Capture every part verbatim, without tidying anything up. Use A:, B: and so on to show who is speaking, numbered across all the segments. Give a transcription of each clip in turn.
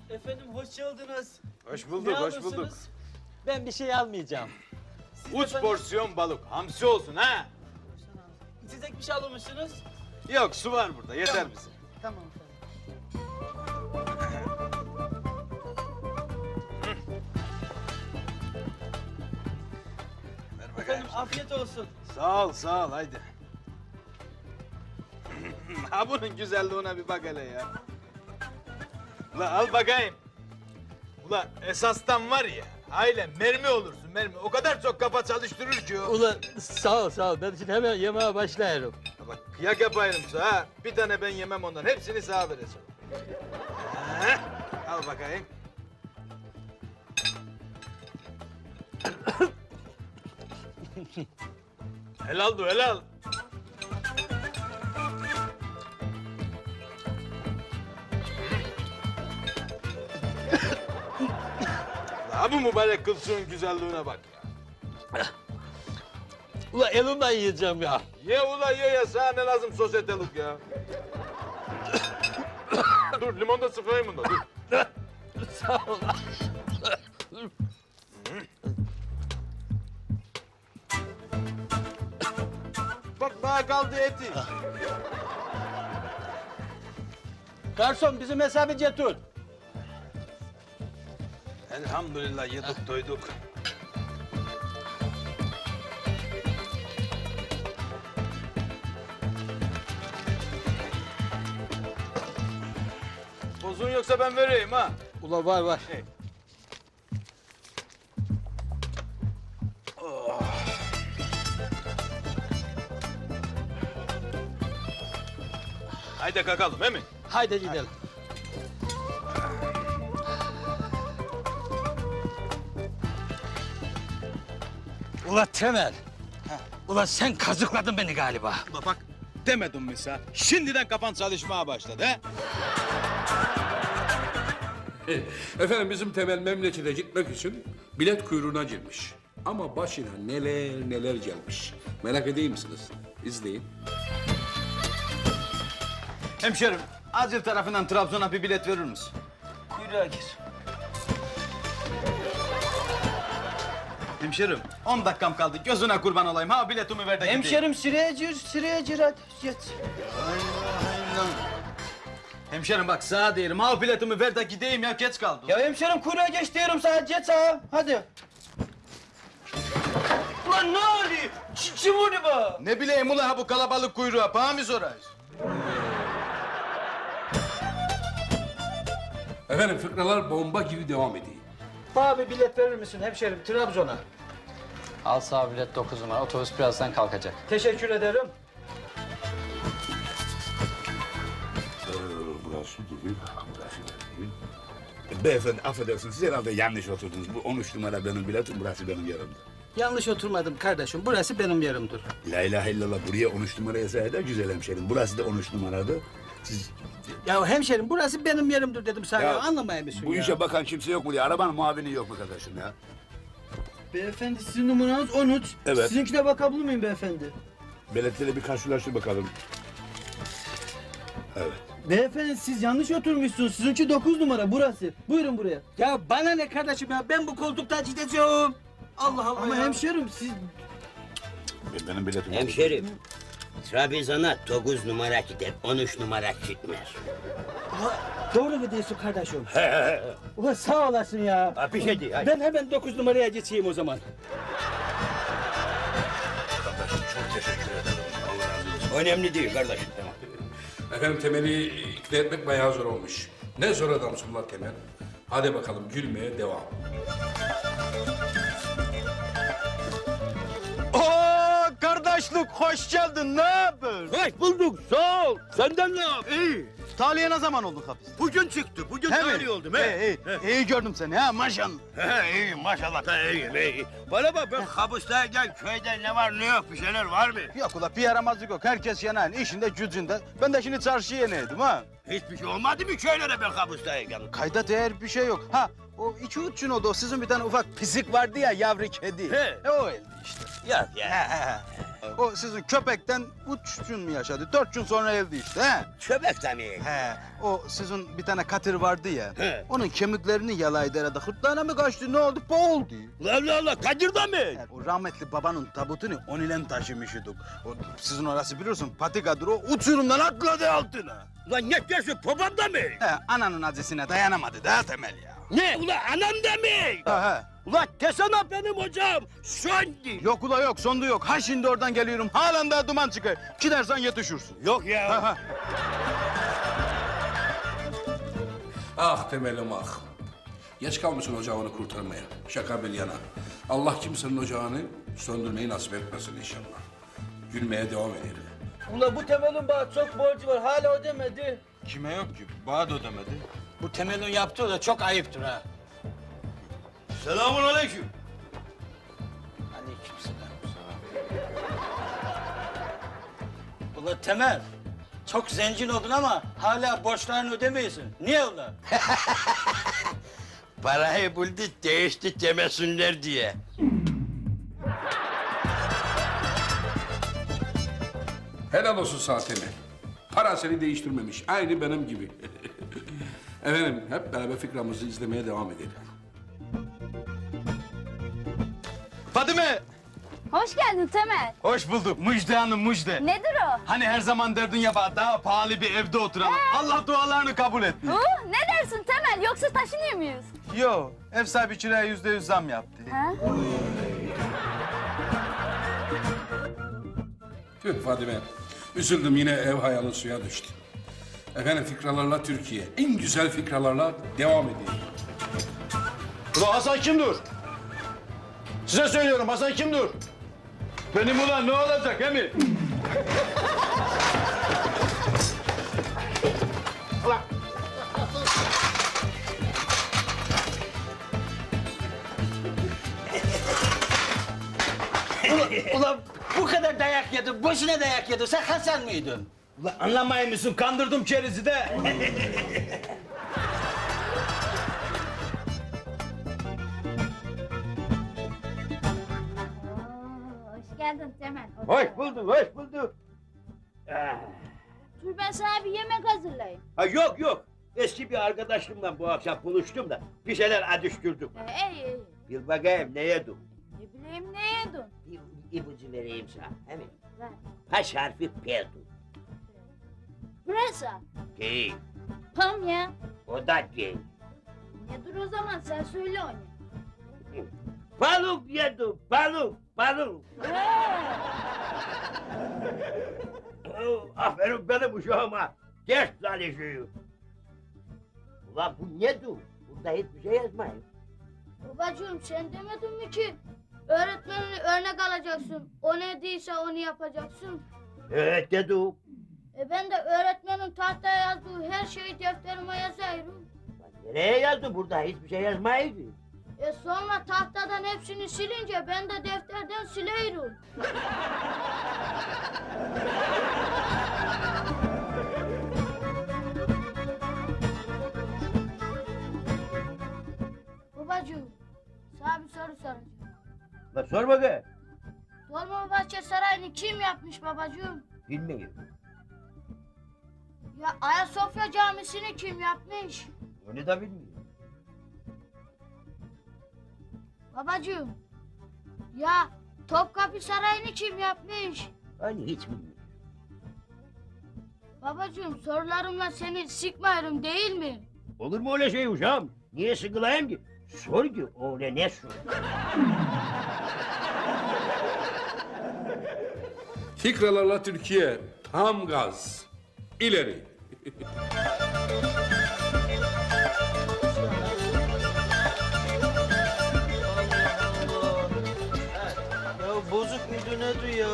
A: Efendim hoş geldiniz.
B: Hoş bulduk,
A: Ne
B: hoş
A: alırsınız?
B: bulduk.
C: Ben bir şey almayacağım.
A: Siz
B: Uç
A: efendim,
B: porsiyon balık, hamsi olsun ha.
A: İçecek bir şey almışsınız.
B: Yok, su var burada, yeter
A: Tamam.
B: bize.
A: Tamam efendim.
B: Ver bakayım.
A: Efendim afiyet olsun.
B: Sağ ol, sağ ol, haydi. Ha bunun güzelliğine bir bak hele ya. Ula al bakayım. Ula esastan var ya, aile mermi olursun mermi. O kadar çok kafa çalıştırır ki o.
C: Ulan sağ ol sağ ol. Ben şimdi hemen yemeğe başlayırım.
B: Ha bak kıyak yapayım sana ha. Bir tane ben yemem ondan, hepsini sağa vereceğim. Ha, al bakayım. Helal du helal. La bu mübarek kılsığın güzelliğine bak ya.
C: Ulan elimle yiyeceğim ya.
B: Ye ula ye ya, sana ne lazım sosyetelik ya. Dur limon da sıkayım bunda dur.
C: Sağ ol.
B: Bak daha kaldı eti.
C: Garson bizim hesabı getir.
B: Elhamdülillah yedik doyduk. Bozun yoksa ben vereyim ha.
C: Ulan var var.
B: Hey. Haydi kalkalım he mi?
C: Haydi gidelim. Ulan Temel. Ulan sen kazıkladın beni galiba.
B: Ula bak demedim mi sen? Şimdiden kafan çalışmaya başladı he?
D: Efendim bizim Temel memlekete gitmek için bilet kuyruğuna girmiş. Ama başına neler neler gelmiş. Merak edeyim misiniz? İzleyin.
B: Hemşerim, Acil tarafından Trabzon'a bir bilet verir misin?
A: Kuyruğa gir.
B: Hemşerim, on dakikam kaldı. Gözüne kurban olayım. Ha biletimi ver de gideyim.
A: Hemşerim sıraya gir, sıraya gir hadi. Geç.
B: Hemşerim bak sağa diyelim. Ha biletimi ver de gideyim ya. Geç kaldım.
A: Ya hemşerim kuyruğa geç diyorum sana, geç sağa. Hadi. Ulan ne oluyor? Kim onu bu?
B: Ne bileyim ula ha bu kalabalık kuyruğa. Bana mı sorayız?
D: Efendim fıkralar bomba gibi devam ediyor.
A: Bana bir bilet verir misin hemşerim Trabzon'a?
E: Al sağ bilet dokuz numara. Otobüs birazdan kalkacak.
A: Teşekkür ederim.
F: Burası gibi, burası gibi. Beyefendi affedersiniz, siz herhalde yanlış oturdunuz. Bu on üç numara benim biletim, burası benim yerimdir.
A: Yanlış oturmadım kardeşim. Burası benim yerimdir.
F: La ilahe illallah, buraya on üç numara yazar da güzel hemşerim. Burası da on üç numaradı. Siz
A: Ya hemşerim burası benim yerimdir dedim sana. Ya, anlamaya mısın
F: bu
A: ya?
F: işe bakan kimse yok mu diye, arabanın muavini yok mu kardeşim ya?
A: Beyefendi sizin numaranız on üç.
F: Evet.
A: Sizinkine bakabilir miyim beyefendi?
F: Biletleri bir karşılaştır bakalım. Evet.
A: Beyefendi siz yanlış oturmuşsunuz. Sizinki dokuz numara burası. Buyurun buraya.
C: Ya bana ne kardeşim ya? Ben bu koltukta gideceğim. Allah Allah
A: Ama
C: ya.
A: hemşerim siz...
F: Benim biletim
G: Hemşerim, Trabzon'a dokuz numara gider, on üç numara gitmez.
A: Doğru mu diyorsun kardeşim? Ulan sağ olasın ya.
G: Ha, bir şey değil, hadi.
A: Ben hemen dokuz numaraya geçeyim o zaman.
F: Kardeşim çok teşekkür ederim. Allah razı olsun.
G: Önemli değil kardeşim. Tamam.
D: Efendim Temel'i ikna etmek bayağı zor olmuş. Ne zor adamsın lan Temel. Hadi bakalım gülmeye devam.
B: Oo kardeşlik hoş geldin. Ne haber?
G: Hoş bulduk, sağ ol. Senden ne yap?
B: İyi. Taliye ne zaman oldun hapis?
G: Bugün çıktı, bugün
B: He mi?
G: tarih oldum. He.
B: İyi, iyi. İyi gördüm seni ha maşallah.
G: He, iyi maşallah da iyiyim, iyi. Bana bak ben kabustayken köyde ne var ne yok bir şeyler var mı?
B: Yok ula bir yaramazlık yok. Herkes yanayın. İşinde gücünde. Ben de şimdi çarşıya yeneydim ha.
G: Hiçbir şey olmadı mı köylere ben kabustayken?
B: Kayda değer bir şey yok. Ha O iki üç gün oldu. O sizin bir tane ufak pisik vardı ya, yavru kedi.
G: He.
B: E, o öldü işte.
G: Yok ya.
B: He, he, he. O sizin köpekten üç gün mü yaşadı? Dört gün sonra öldü işte. He.
G: Köpek de mi?
B: He. O sizin bir tane katır vardı ya.
G: He.
B: Onun kemiklerini yalaydı herhalde. Hırtlağına mı kaçtı? Ne oldu? Boğuldu.
G: Allah Allah, Kadir de mi?
B: Yani o rahmetli babanın tabutunu on ile taşımıştık. O sizin orası biliyorsun patikadır, o uçurumdan atladı altına.
G: Ulan ne diyorsun, babam da mı?
B: He, ananın acısına dayanamadı daha Temel ya.
G: Ne? Ulan anam da mı?
B: Ha, he.
G: Ulan desene benim hocam, söndü.
B: Yok ula yok, sondu yok. Ha şimdi oradan geliyorum, halen daha duman çıkar. Gidersen yetişirsin.
G: Yok ya.
B: Ha, ha.
D: Ah Temel'im ah. Geç kalmışsın ocağını kurtarmaya. Şaka bir yana. Allah kimsenin ocağını söndürmeyi nasip etmesin inşallah. Gülmeye devam edelim.
C: Ula bu Temel'in bana çok borcu var. Hala ödemedi.
B: Kime yok ki? Bana da ödemedi.
C: Bu Temel'in yaptığı da çok ayıptır ha.
G: Selamun aleyküm.
C: Aleykümselam. Ula Temel, çok zengin oldun ama hala borçlarını ödemiyorsun. Niye ula?
G: Parayı buldu, değişti demesinler diye.
D: Helal olsun sana Temel. Para seni değiştirmemiş. Aynı benim gibi. Efendim hep beraber fikramızı izlemeye devam edelim.
B: Fadime!
H: Hoş geldin Temel.
B: Hoş bulduk. Müjde hanım, müjde.
H: Nedir o?
B: Hani her zaman derdin ya bana daha pahalı bir evde oturalım. Allah dualarını kabul etti.
H: Uh, ne dersin Temel? Yoksa taşınıyor muyuz?
B: Yo, ev sahibi kiraya yüzde yüz zam yaptı.
H: Ha?
D: Tüh Fadime. Üzüldüm yine ev hayalin suya düştü. Efendim fikralarla Türkiye. En güzel fikralarla devam edelim.
B: Ulan Hasan kimdir? Size söylüyorum, Hasan kimdir? Benim ulan ne olacak he mi?
C: Ula bu kadar dayak yedin, boşuna dayak yedin. Sen Hasan mıydın?
B: Ulan anlamayın mısın? Kandırdım kerizi de.
H: Hoş geldin Temel.
G: Hoş bulduk, hoş bulduk.
H: Dur ben sana bir yemek hazırlayayım.
G: Ha yok yok, eski bir arkadaşımla bu akşam buluştum da bir şeyler adıştırdık.
H: Ee, iyi iyi.
G: Bir bakayım ne yedim?
H: Ne bileyim ne yedin?
G: Bir ipucu vereyim sana, he mi?
H: Ver.
G: Baş harfi P'du.
H: Pırasa.
G: Değil,
H: Tam ya.
G: o da değil.
H: Nedir o zaman sen söyle onu.
G: Balık yedim, balık, balık. Oh, aferin benim uşağıma. Ders çalışıyor. Ulan bu nedir? Burada hiçbir şey yazmayın.
H: Babacığım sen demedin mi ki öğretmenini örnek alacaksın. O ne değilse onu yapacaksın.
G: Evet dedim.
H: E ben de öğretmenin tahtaya yazdığı her şeyi defterime yazıyorum.
G: Lan nereye yazdın? Burada hiçbir şey yazmaydı.
H: E sonra tahtadan hepsini silince ben de defterden silerim. Babacığım, sana bir soru soracağım.
G: Lan sor bakayım.
H: Dolmabahçe Sarayı'nı kim yapmış babacığım?
G: Bilmiyorum.
H: Ya Ayasofya Camisi'ni kim yapmış?
G: Onu da bilmiyorum.
H: Babacığım, ya Topkapı Sarayı'nı kim yapmış?
G: Hani hiç bilmiyorum.
H: Babacığım sorularımla seni sıkmıyorum değil mi?
G: Olur mu öyle şey uşağım? Niye sıkılayım ki? Sor ki o ne ne sor?
D: Fikralarla Türkiye. Tam gaz. İleri.
C: Ya bozuk muydu nedir ya?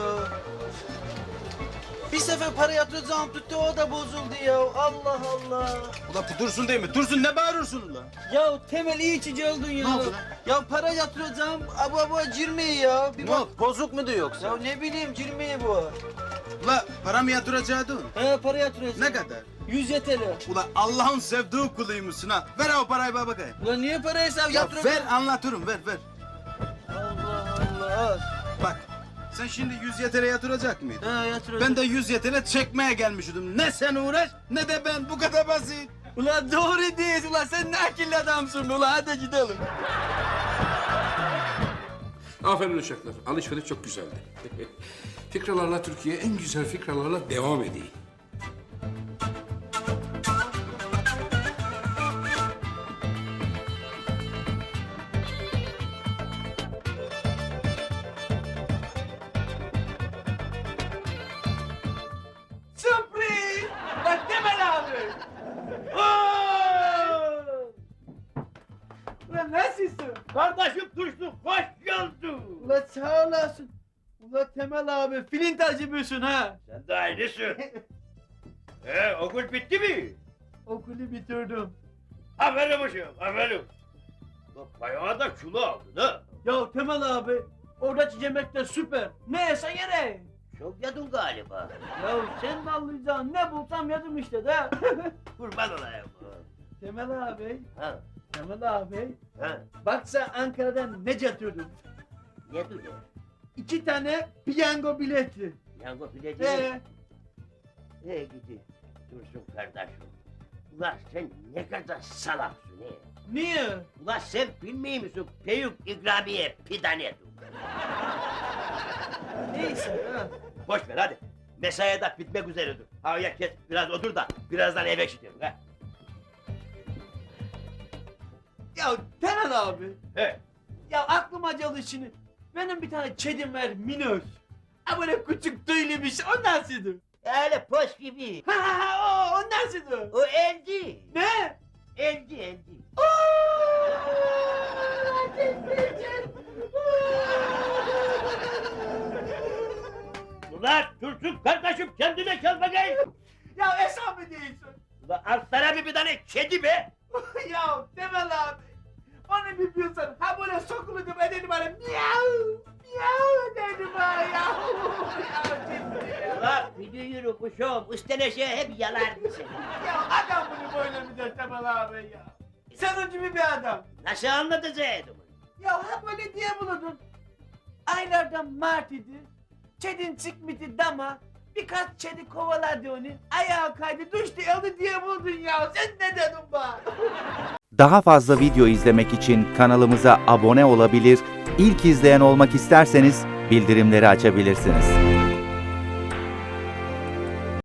C: Bir sefer para yatıracağım tuttu o da bozuldu ya. Allah Allah.
B: Ulan bu dursun değil mi? Dursun, ne bağırıyorsun ulan?
C: Ya Temel iyi içici oldun ya.
B: Ne oldu lan?
C: Ya para yatıracağım abu abu cirmeyi ya. Bir
B: Ne
C: bak.
B: oldu? Bozuk mu diyor yoksa?
C: Ya ne bileyim cirmeyi bu.
B: Ulan para mı yatıracaktın?
C: He para yatıracağım.
B: Ne kadar?
A: Yüz yeteli.
B: Ula Allah'ın sevdiği kuluymuşsun ha. Ver o parayı bana bakayım.
A: Ulan niye para hesabı
B: Ya
A: yaptırıyorsun?
B: ver anlatırım ver ver.
A: Allah Allah.
B: Bak sen şimdi yüz yetere yatıracak mıydın?
A: Ha yatıracağım.
B: Ben de yüz yetele çekmeye gelmiştim. Ne sen uğraş ne de ben, bu kadar basit.
A: Ulan doğru değil ulan, sen ne akıllı adamsın ulan, hadi gidelim.
D: Aferin uşaklar. Alışveriş çok güzeldi. Fikralarla Türkiye en güzel fikralarla devam edeyim.
A: Sürpriz! Bak Temel abi. Ulan nasılsın?
G: Kardeşim Dursun hoş geldin.
A: Ulan sağ olasın. Ulan Temel abi filin tacımıyorsun ha.
G: Sen de aynısın. Ee, okul bitti mi?
A: Okulu bitirdim.
G: Aferin uşağım, aferin. Lan bayağı da kilo aldın ha.
A: Ya Temel abi, oradaki yemek de süper. Ne yesen yere.
G: Çok yedin galiba.
A: Ya sen de anlayacaksın, ne bulsam yedim işte de.
G: Kurban olayım.
A: Temel abi,
G: Ha,
A: Temel abi.
G: ha.
A: Bak sen Ankara'dan ne getirdim?
G: Ne dur ya?
A: İki tane piyango bileti.
G: Yango bileci
A: Ee,
G: mi? Ee gidi. Dursun kardeşim. Ulan sen ne kadar salaksın he.
A: niye?
G: Ulan sen bilmiyor musun? Peyuk ikramiye pidane dur.
A: Neyse ha.
G: Boş ver hadi. Mesaiye de bitmek üzeredir. Havaya kes biraz otur da birazdan eve gidelim ha.
A: Ya Temel abi,
G: He.
A: ya aklıma geldi şimdi. Benim bir tane kedim var, Minöz. Ha böyle küçük tüylüymüş, o nasıldı?
G: Öyle poş gibi.
A: Ha ha ha, o, o nasıldı?
G: O elci.
A: Ne?
G: Elci elci. Ulan Dursun kardeşim kendine gel bakayım.
A: Ya hesabı değilsin.
G: Ulan al sana bir bir tane kedi be.
A: Ya Temel abi, onu bir bilsen, ha böyle sokulurdum ederdim bana miyav, miyav ederdim ha ya. Ya ciddi ya.
G: Ulan bir yürü kuşum üstüne hep yalardı seni.
A: Ya adam bunu böyle mi der Temel abi ya? Senin gibi bir adam.
G: Nasıl anlatacaktım?
A: Ya ha böyle diye bulurdun. Aylardan Mart idi. Çedin çıkmıştı dama. Birkaç çedi kovaladı onu. Ayağı kaydı düştü öldü diye buldun ya. Sen ne dedin bana?
I: Daha fazla video izlemek için kanalımıza abone olabilir, ilk izleyen olmak isterseniz bildirimleri açabilirsiniz.